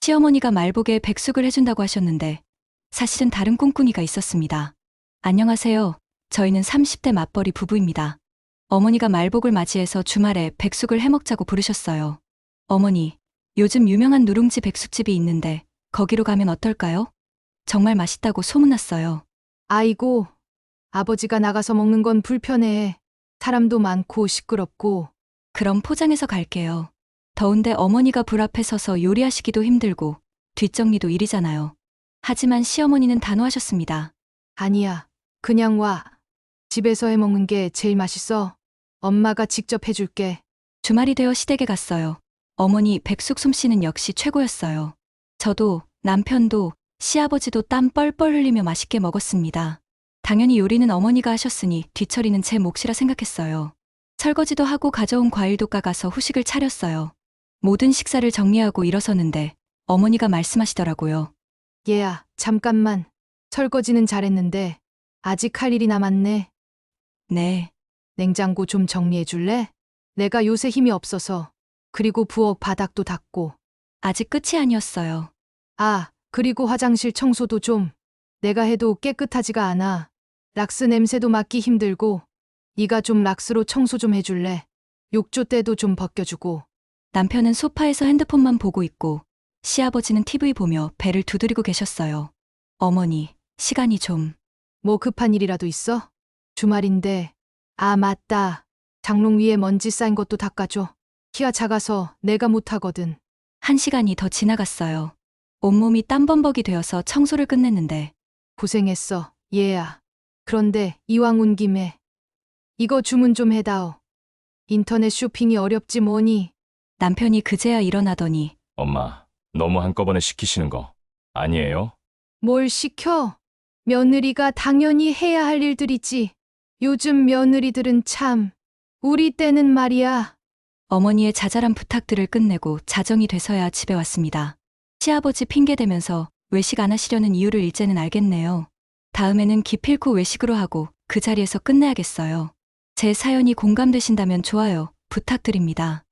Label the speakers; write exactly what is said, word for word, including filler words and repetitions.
Speaker 1: 시어머니가 말복에 백숙을 해준다고 하셨는데 사실은 다른 꿍꿍이가 있었습니다. 안녕하세요. 저희는 삼십 대 맞벌이 부부입니다. 어머니가 말복을 맞이해서 주말에 백숙을 해먹자고 부르셨어요. 어머니, 요즘 유명한 누룽지 백숙집이 있는데 거기로 가면 어떨까요? 정말 맛있다고 소문났어요.
Speaker 2: 아이고, 아버지가 나가서 먹는 건 불편해. 사람도 많고 시끄럽고.
Speaker 1: 그럼 포장해서 갈게요. 더운데 어머니가 불 앞에 서서 요리하시기도 힘들고 뒷정리도 일이잖아요. 하지만 시어머니는 단호하셨습니다.
Speaker 2: 아니야, 그냥 와. 집에서 해 먹는 게 제일 맛있어. 엄마가 직접 해줄게.
Speaker 1: 주말이 되어 시댁에 갔어요. 어머니 백숙 솜씨는 역시 최고였어요. 저도 남편도 시아버지도 땀 뻘뻘 흘리며 맛있게 먹었습니다. 당연히 요리는 어머니가 하셨으니 뒤처리는 제 몫이라 생각했어요. 설거지도 하고 가져온 과일도 까가서 후식을 차렸어요. 모든 식사를 정리하고 일어서는데 어머니가 말씀하시더라고요.
Speaker 2: 얘야, 잠깐만. 설거지는 잘했는데 아직 할 일이 남았네.
Speaker 1: 네,
Speaker 2: 냉장고 좀 정리해 줄래? 내가 요새 힘이 없어서. 그리고 부엌 바닥도 닦고.
Speaker 1: 아직 끝이 아니었어요.
Speaker 2: 아, 그리고 화장실 청소도 좀. 내가 해도 깨끗하지가 않아. 락스 냄새도 맡기 힘들고. 네가 좀 락스로 청소 좀 해줄래? 욕조 때도 좀 벗겨주고.
Speaker 1: 남편은 소파에서 핸드폰만 보고 있고 시아버지는 티비 보며 배를 두드리고 계셨어요. 어머니, 시간이 좀.
Speaker 2: 뭐 급한 일이라도 있어? 주말인데. 아, 맞다. 장롱 위에 먼지 쌓인 것도 닦아줘. 키가 작아서 내가 못하거든.
Speaker 1: 한 시간이 더 지나갔어요. 온몸이 땀범벅이 되어서 청소를 끝냈는데
Speaker 2: 고생했어, 얘야. 그런데 이왕 온 김에 이거 주문 좀 해다오. 인터넷 쇼핑이 어렵지 뭐니.
Speaker 1: 남편이 그제야 일어나더니
Speaker 3: 엄마, 너무 한꺼번에 시키시는 거 아니에요?
Speaker 2: 뭘 시켜? 며느리가 당연히 해야 할 일들이지. 요즘 며느리들은 참. 우리 때는 말이야.
Speaker 1: 어머니의 자잘한 부탁들을 끝내고 자정이 돼서야 집에 왔습니다. 시아버지 핑계대면서 외식 안 하시려는 이유를 이제는 알겠네요. 다음에는 기필코 외식으로 하고 그 자리에서 끝내야겠어요. 제 사연이 공감되신다면 좋아요 부탁드립니다.